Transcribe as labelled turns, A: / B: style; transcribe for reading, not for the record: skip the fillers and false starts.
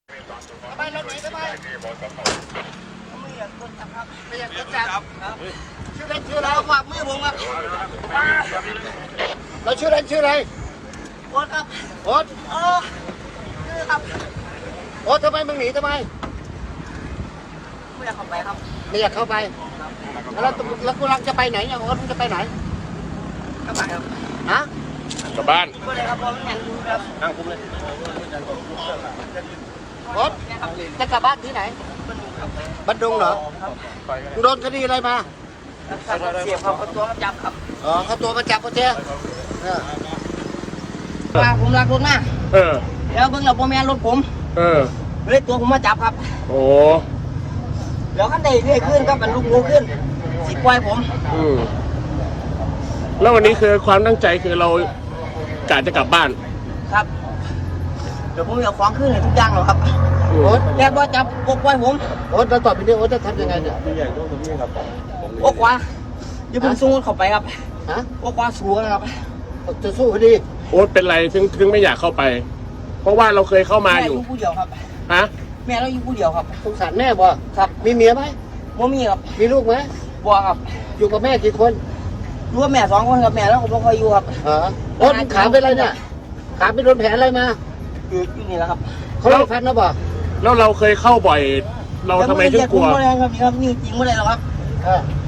A: ไปรถไหนไปไม่อยากรถจับครับไม่อยากรถจับครับชื่อเล่นชื่ออะไรฝากมือผมครับเราชื่อเล่นชื่ออะไรโอ๊ตครับโอ๊ตชื่อครับโอ๊ตทำไมมึงหนีทำไมไม่อยากเข้าไปครับไม่อยากเข้าไปแล้วกูรังจะไปไหนเนี่ยโอ๊ตมึงจะไปไหนกลับบ้านครับฮะ
B: กลับบ้าน
A: ก็เลยครับผมนั่งดูครับ
B: นั่งคุ้มเลย
A: โอ๊ตจะกลับบ้านที่ไหนบันดุงเหรอโดนคดีอะไรมาเสียบเขาตัวมาจับครับอ๋อเขาตัวมาจับเขาเจ้มาผมรักรถมากแล้วเบิ่งเราพ่อแม่รถผมเลยตัวผมมาจับครับ
B: โอ้
A: แล้วขั้นใดเรื่อยขึ้นครับมันลุกงูขึ้นสิปล่อยผม
B: แล้ววันนี้คือความตั้งใจคือเรากะจะกลับบ้าน
A: ครับเดี๋ยวผมจะฟ้องขึ้นให้ทุกอย่างหรอครับโอ๊ตแกบอกจับปล่อยผมโอ๊ตแล้วต่อไปนี้โอ๊ตจะทำยังไงเนี่ยโอ๊ตขวาเดี๋ยวผมสู้เข้าไปครับฮะโอ๊ตขวาสู้นะครับจะสู้คดี
B: โอ๊ตเป็นไรถึงไม่อยากเข้าไปเพราะว่าเราเคยเข้ามาอยู่
A: แม่อยู่ผู้เดียวครับ
B: ฮะ
A: แม่เราอยู่ผู้เดียวครับสงสารแม่บ่ครับมีเมียไหมบ่มีครับมีลูกไหมบ่ครับอยู่กับแม่กี่คนรู้ว่าแม่2 คนกับแม่แล้วผมไม่ค่อยอยู่ครับโอ๊ตขาเป็นอะไรเนี่ยขาไปโดนแผลอะไรมาอยู่นี่แหละครับเขาไม่ฟันนะบ่
B: แล้วเราเคยเข้าบ่อยเราทำไมถึงกลัว
A: ไม่ครับนี่จริงไม่ได้หรอกครับ